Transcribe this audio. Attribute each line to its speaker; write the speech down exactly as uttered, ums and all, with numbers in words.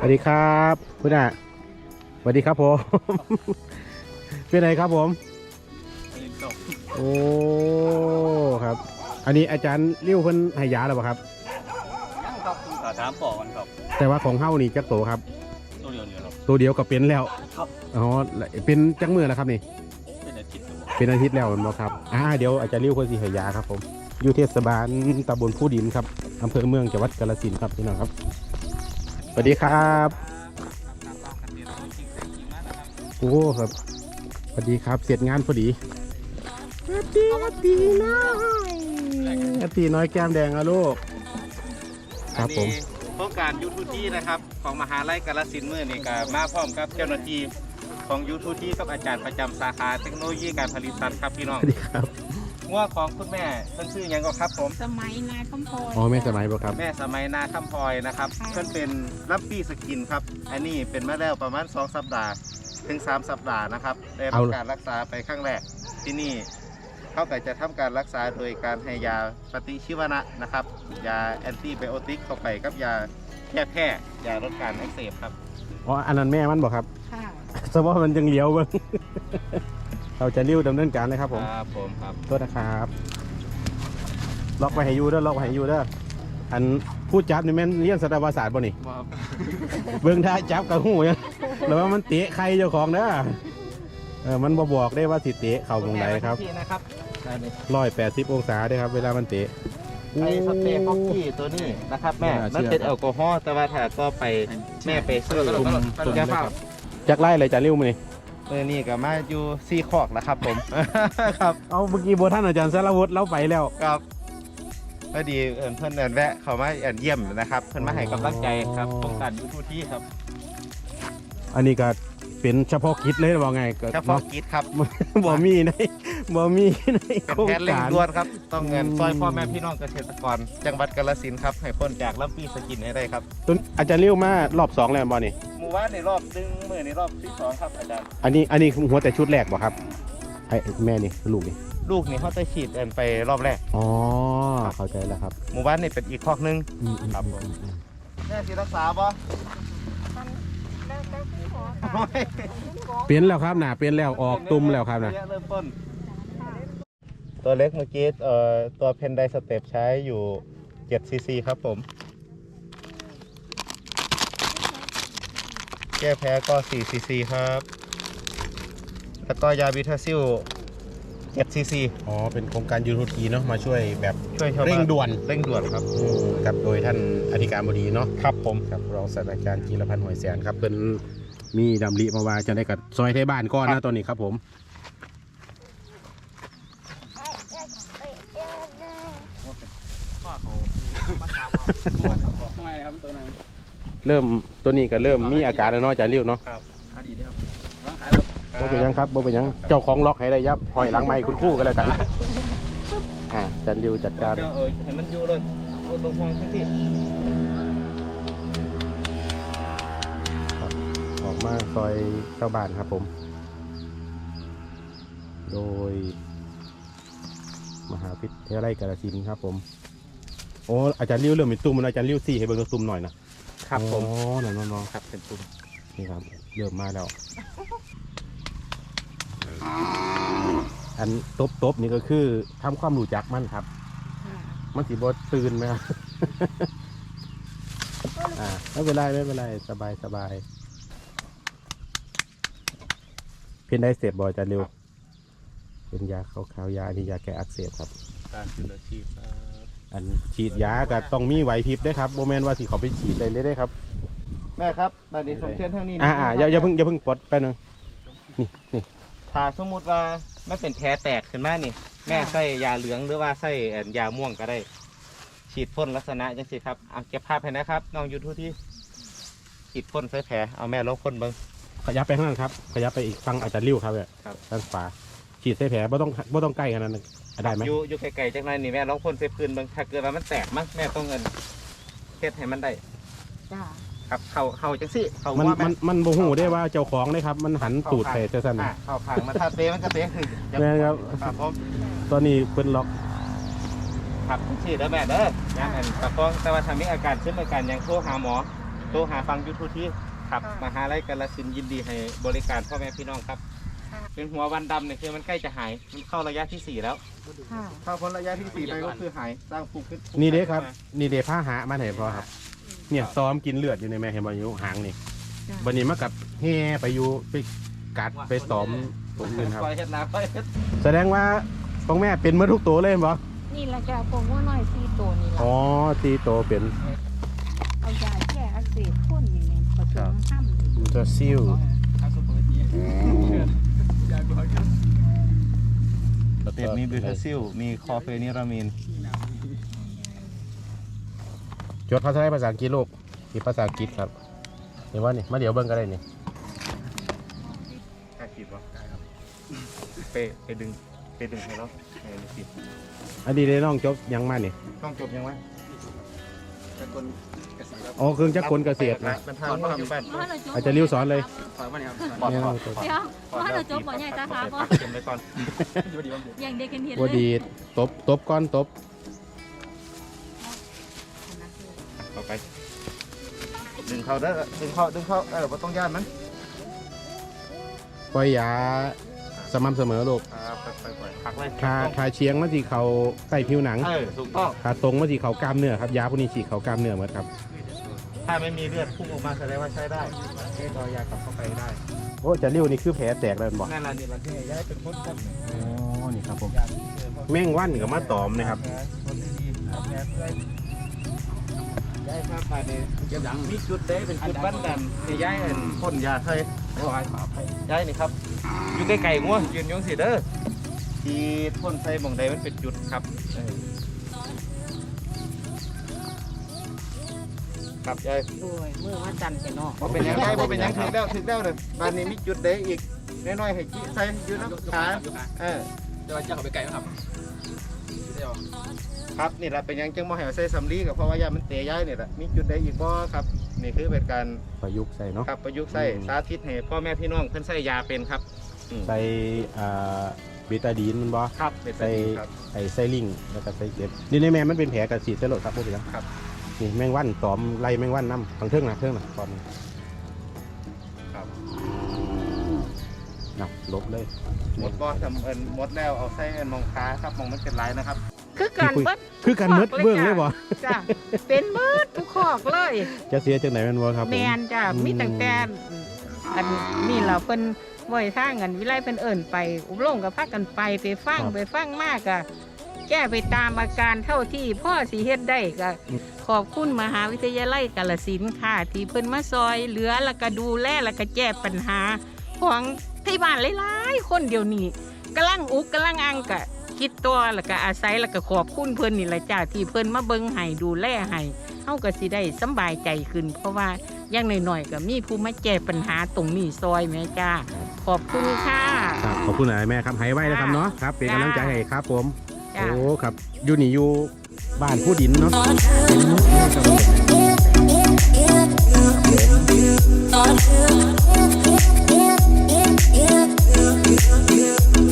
Speaker 1: วัสดีครับคุณอ่ะสวัสดีครับผมเป็นไงครับผมโอ้ครับอันนี้อาจารย์เลี้ยวเพิ่นให้ยาแล้วป่ะครับ
Speaker 2: ยังครับคุณขาถามต่อกันครับ
Speaker 1: แต่ว่าของเฮ้านี่จักโตครับ
Speaker 2: ตัวเดียวเนี่ยครับ
Speaker 1: ตัวเดียวก็เป็นแล้ว
Speaker 2: ครับ
Speaker 1: อ๋อเป็นจักมือแล้วครับนี่
Speaker 2: เป็นอาทิตย์
Speaker 1: เป็นอาทิตย์แล้วมั้งครับอ่าเดี๋ยวอาจารย์เลี้ยวเพิ่นสิให้ยาครับผมอยู่เทศบาลตำบลผู้ดินครับอำเภอเมืองจังหวัดกาฬสินธุ์ครับพี่น้องครับสวัสดีครับโอ้ครับสวัสดีครับเสร็จงานพอดีสวัสดีสวัสดีน้อยสวัสดีน้อยแก้มแดงอะลูกครับผม
Speaker 2: โครงการยูทูทีนะครับของมหาลัยกาฬสินธุ์มื้อนี้ก็มาพร้อมกับเจ้าหน้าที่ของยูทูทีกับอาจารย์ประจำสาขาเทคโนโลยีการผลิตสัตว์ครับพี่น้อง
Speaker 1: สวัสดีครับ
Speaker 2: งัวของคุณแม่เพิ่นชื่อหยังก็ครับผม
Speaker 3: สมัยนาคำพลอย
Speaker 1: อ๋อแม่สมัยบ่ครับ
Speaker 2: แม่สมัยนาคำพลอยนะครับเพิ่นเป็นรับปี้สกินครับอันนี้เป็นมาแล้วประมาณสองสัปดาห์ถึงสามสัปดาห์นะครับได้รับการรักษาไปครั้งแรกที่นี่เขาก็จะทำการรักษาโดยการให้ยาปฏิชีวนะนะครับยาแอนติไบโอติกเข้าไปกับยาแก้แพ้ยาลดการอักเสบครับ
Speaker 1: อ๋ออันนั้นแม่มันบ่ครับ
Speaker 3: ค่ะ
Speaker 1: สมมติมันยังเลี้ยวเบิ่งเราจะเลี้ยวดำเนินการเลยครับผม
Speaker 2: ครับผมครับ
Speaker 1: โทษนะครับล็อกไว้ให้อยู่เด้อล็อกไว้ให้อยู่เด้ออันพูดจับนี่แม่นเรียนสัตวศาสตร์บ่นี่เบิ่งท่าจับกับหูยังแล้วว่ามันเตะใครเจ้าของเด้อเออมันบ่บอกได้ว่าสิเตะเข่าตรงไหนครับร้อยแปดสิบองศาด้วยครับเวลามันเตะ
Speaker 2: ไอ้สเปรย์ฟอกกี้ตัวนี้นะครับแม่มันเป็นแอลกอฮอล์แต่ว่าถ้าก็ไปแม่ไปซื้อตุ่มตุ่มยาฟ้า
Speaker 1: จักไล่เลยจะเลี้ยวมานี่
Speaker 2: เออนี่ก็มาอยู่ซีคอกนะครับผมครับ
Speaker 1: เอาเมื่อกี้โบท่านอาจารย์สารวุฒิเล่าไปแล้ว
Speaker 2: ครับพอดีเอิญเพื่อนเอิญแวะเขามาเอิญเยี่ยมนะครับเพื่อนมาให้กำลังใจครับโครงการยูทูทีครับ
Speaker 1: อันนี้ก็เป็นเฉพาะกิจเลยว่าไง
Speaker 2: เฉพาะกิจครับ
Speaker 1: บ่มีในบ่มีใน
Speaker 2: โครงการเร่งด่วนครับต้องเงินซอยพ่อแม่พี่น้องเกษตรกรจังหวัดกาฬสินธุ์ครับให้พ้นจากลำปีสกินให้ได้ครับ
Speaker 1: ต้นอาจารย์เลี้ยวมารอบสองแล้วบ่นี่
Speaker 2: หมู่บ้านในรอบดึงมือในรอบที่สองครับอาจารย์
Speaker 1: อันนี้อันนี้หัวแต่ชุดแรกบ่ครับไอ้แม่นี่ลูกนี่
Speaker 2: ลูกนี่เขาจะฉีดเอิญไปรอบแรก
Speaker 1: อ๋อเข้าใจแล้วครับ
Speaker 2: หมู่บ้านนี่เป็นอีกคอกนึงครับผมแม่สิรักษาบ่
Speaker 1: เปลี่ยนแล้วครับหนาเปลี่ยนแล้วออกตุ่มแล้วครับนะ
Speaker 2: เริ่มต้นตัวเล็กเมื่อกี้เอ่อตัวเพนไดสเต็ปใช้อยู่เจ็ดซีซีครับผมแก้แพ้ก็สี่ซีซีครับแล้วก็ยาบิทาซิลเจ็ดซีซี
Speaker 1: อ๋อเป็นโครงการยูทูทีเนาะมาช่วยแบบ
Speaker 2: ช่วย
Speaker 1: เร่งด่วน
Speaker 2: เร่งด่วนครับ
Speaker 1: กับโดยท่านอธิการบดีเนาะ
Speaker 2: ครับผม
Speaker 1: ครับรองศาสตราจารย์จีรพันธ์หอยแสนครับเป็นมีดำริมาว่าจะได้กับซอยไทยบ้านก้อนนะตอนนี้ครับผมเริ่มตัวนี้ก็เริ่มมีอาการแล้วเนาะอาจารย์เลี้ยวเนาะบ่เป็นยังครับบ่เป็นยังเจ้าของล็อกให้ได้ยับหอยหลังไม้คุณครู่กันแล้วกันอ่าอาจารย์เลี้ยวจัดการ
Speaker 2: เออให้มันอยู่เลยตรงห้องที่
Speaker 1: ออกมาซอยเจ้าบ้านครับผมโดยมหาวิทยาลัยกาฬสินธุ์ครับผมโอ้อาจารย์เลี้ยวเริ่มเป็นตุ่มแล้วอาจารย์เลี้ยวสี่ให้เบิ่งตุ่มหน่อยนะครับ
Speaker 2: ผม
Speaker 1: อ๋อหน่อยน้อง
Speaker 2: ครับเป็นตุ่ม
Speaker 1: นี่ครับเริ่มมาแล้วอันตบตบนี่ก็คือทำความรู้จักมันครับมันสีบดตื่นไหมครับอ่าไม่เป็นไรไม่เป็นไรสบายสบายเพียนได้เสพบ่อยจะเร็วเป็นยาขาวๆยานี่ยาแก้อักเสบครับ
Speaker 2: การจุลชีพ
Speaker 1: อันฉีดยาก็ต้องมีไหวพริบได้ครับโมเมนต์ว่าสิเขาไปฉีดเลยได้ครับ
Speaker 2: แม่ครับตอนนี้ส่งเชิญทางนี้
Speaker 1: อ่าอ่าอย่าอย่าเพิ่งอย่าเพิ่งปลดไปหนึ่งนี่นี่
Speaker 2: ถ้าสมมติว่าไม่เป็นแผลแตกขึ้นมานี่แม่ใส่ยาเหลืองหรือว่าใส่ยาม่วงก็ได้ฉีดพ่นลักษณะยังสิครับเอาเก็บภาพให้นะครับน้องยูทูบที่ฉีดพ่นใส่แผลเอาแม่ลองพ่นเบิ้ง
Speaker 1: ขยับไปข้างนั้นครับขยับไปอีกฝั่งอาจจะริ้วครับเนี่ยด้านขวาฉีดใส่แผลไม่ต้องไม่ต้องใกล้ขนาดนั้นได้ไหม
Speaker 2: อยู่อยู่ไกลๆจากนั้นนี่แม่ลองพ่นใส่พื้นเบิ้งถ้าเกิดว่ามันแตกมั้งแม่ต้องเงินเฮ็ดให้มันได้
Speaker 3: จ้า
Speaker 2: ครับเข่าเข่าจังสิเข่า
Speaker 1: มันมันมันโมโหได้ว่าเจ้าของได้ครับมันหันตูดใส่เจ้าสัน
Speaker 2: เข่าผังมาถ้าเตะมันก็เตะขึ้น
Speaker 1: นะครับตอนนี้เป็นล็อก
Speaker 2: ครับฉีดแล้วแม่เด้อยังอันตะกองแต่ว่าทำให้อาการขึ้นอาการยังโทรหาหมอรหาฟังยูทูบที่ครับมหาลัยกาฬสินธุ์ยินดีให้บริการพ่อแม่พี่น้องครับเป็นหัววันดำเนี่ยคือมันใกล้จะหายมันเข้าระยะที่สี่แล้ว
Speaker 3: ค่ะ
Speaker 2: เข้าพ้นระยะที่สี่ไปก็คือหายสร้างภูมิขึ้น
Speaker 1: นี่เด้ครับนี่เด้ผ้าหามาไหนพอครับเนี่ยซ้อมกินเลือดอยู่ในแม่เห็นบ่อยู่หางนี่
Speaker 3: จ้ะ
Speaker 1: วันนี้มากับแห่ไปอยู่ไปกัดไปซ้อมผมเงินครับ
Speaker 2: ปล่อยเห็ดนาปล่อยเห็ด
Speaker 1: แสดงว่าของแม่เป็นเมื่อทุกตัวเลยบ่
Speaker 3: นี่ละจ้ะผมว่าน้อยสี่ตัวนี่ละ
Speaker 1: อ๋อตีโตเป็น
Speaker 3: เอายาแก้อักเสบพ่นนี่แม่ผสมห้ำ
Speaker 1: ยูเตอร์ซิลแล้วก็
Speaker 2: เต็ดมีบิวทาซิลมีคอเฟนิรามีน
Speaker 1: จดภาษาไทยภาษาอังกฤษลูกที่ภาษาอังกฤษครับเห็นว่านี่มาเดี๋ยวเบิ่งก็ได้นี่
Speaker 2: กล้าขีดวะไปไปดึงไปดึงให้เราให้ดูสิ
Speaker 1: อันนี้ได้น้องจบยังมานี่
Speaker 2: ต้องจบยังไง
Speaker 1: อ๋อเครื่องจักรกลเกษตรนะ
Speaker 2: เป็นทางว่าอยู่บ้าน
Speaker 1: อาจจะริ้วสอนเลย
Speaker 2: ปลอด
Speaker 1: เนี่ย
Speaker 2: ปลอด
Speaker 1: ตัว
Speaker 2: ปลอด
Speaker 3: เดี๋ยวว่าเราจบบ่ใหญ่ตาขาบ่
Speaker 2: เก็บไว้ก่อน
Speaker 3: อย่างเด็กกันเห็น
Speaker 1: บ
Speaker 3: เลย
Speaker 1: ดีตบตบก้อนตบ
Speaker 2: ต่อไป ดึงเข้าเด้อดึงเข้าดึงเข้าเออบ่ต้องย่านมัน
Speaker 1: ปล่อยยาสม่ำเสมอลูก
Speaker 2: ครับไปไปพักเลย
Speaker 1: ทาทาเชียงมาที่เขาใต้ผิวหนัง
Speaker 2: เออถูกต้อง
Speaker 1: ทาตรงมาที่เขากล้ามเนื้อครับยาพวกนี้ฉีดเขากล้ามเนื้อหมดครับ
Speaker 2: ถ้าไม่มีเลือดพุ่งออกมาแสดงว่าใช้ได้ให้ต่อยากลับเข้าไปได้
Speaker 1: โอ้จะริ้วนี่คือแผลแตกแล้วบอก
Speaker 2: นั่นแหละนี่เราที่ย้ายเป็นคนครับ
Speaker 1: อ๋อนี่ครับผมแม่งวันกับมาตอมนะครับ
Speaker 2: คนดีๆแผลเพื่อนย้ายมาภายในมีจุดเด้เป็นจุดบ้านดำที่ย้ายอันพ่นยาไทยย้ายนี่ครับ อยู่ใกล้ๆงัวยืนอยงสิเด้อที่พ่นใส่หม่องใดมันเป็นจุดครับเออครับยาย
Speaker 3: ด้วยเมื่อว่าจันทร์ไปเนาะ
Speaker 2: พอเป็นยังไงพอเป็นยังถึงแล้วถึงแล้วเลยบ้านนี้มีจุดเด้อีกน้อยๆให้จี้ใส่อยู่น้ำขาเออ
Speaker 4: เดี๋ยวจะเอาไปไกลนะครับเดี๋ยว
Speaker 2: ครับนี่แหละเป็นยังจังบ่ให้ใส่สำลีกับเพราะว่ายามันเตะย้ายนี่แหละมีจุดเด้อีกบ่ครับนี่คือเป็นการ
Speaker 1: ประยุกต์ใส่เนาะ
Speaker 2: ครับประยุกต์ใส่
Speaker 1: อืม
Speaker 2: สาธิตให้พ่อแม่พี่น้องเพิ่นใส่ยาเป็นครับอืม
Speaker 1: ใส่อ่าเบตาดีนมันบ่
Speaker 2: ครับเป็นไป
Speaker 1: ใส่
Speaker 2: ดีครับ
Speaker 1: ไอ้ไซลิงแล้วก็ใส่เจ็บนี่ในแม่มันเป็นแผลกระสีเสลดครับพวกนี้
Speaker 2: ครับ
Speaker 1: นี่แมงวันตอมไล่แมงวันน้ำทางเทิงนะเทิงนะตอม
Speaker 2: ครับ
Speaker 1: นับลบเลย
Speaker 2: หมดบ่ทำเอิ้นหมดแล้วเอาใส่เอิ้นมองขาครับมองมันเป็นลายนะครับ
Speaker 3: คือการเบิด
Speaker 1: คือกันมืดเบื้องเลยบ่
Speaker 3: จ้ะเป็นเบิดทุกขอกเลย
Speaker 1: จะเสียจังไหนแมันบ่ครับผม
Speaker 3: แมนจ้ะ
Speaker 1: อืม
Speaker 3: มีตั้งแต่อันนี่เราเพิ่นบ่อยทางกันวิไลเพิ่นเอิ้นไปอบรมกับพากันไปไปฟังไปฟังมากอะแก้ไปตามอาการเท่าที่พ่อสิเฮ็ดได้ก็ขอบคุณมหาวิทยาลัยกาฬสินธุ์ค่ะที่เพิ่นมาซอยเหลือแล้วก็ดูแลแล้วก็แก้ปัญหาของที่บ้านหลายๆคนเดี๋ยวนี้กำลังอุกกำลังอังกะคิดตัวแล้วก็อาศัยแล้วก็ขอบคุณเพิ่นนี่แหละจ้าที่เพิ่นมาเบิ่งให้ดูแลให้เฮาก็สิได้สำบายใจขึ้น เพราะว่าอย่างน้อยๆก็มีผู้มาแก้ปัญหาตรงนี้ซอยแม่จ้าขอบคุณค่ะ
Speaker 1: ครับขอบคุณหลายแม่ครับให้ไว้นะครับเนาะครับเป็นกำลังใจให้ครับผม
Speaker 3: จ้า
Speaker 1: โอ้ครับอยู่นี่อยู่บ้านผู้ดินเนาะ
Speaker 5: Thought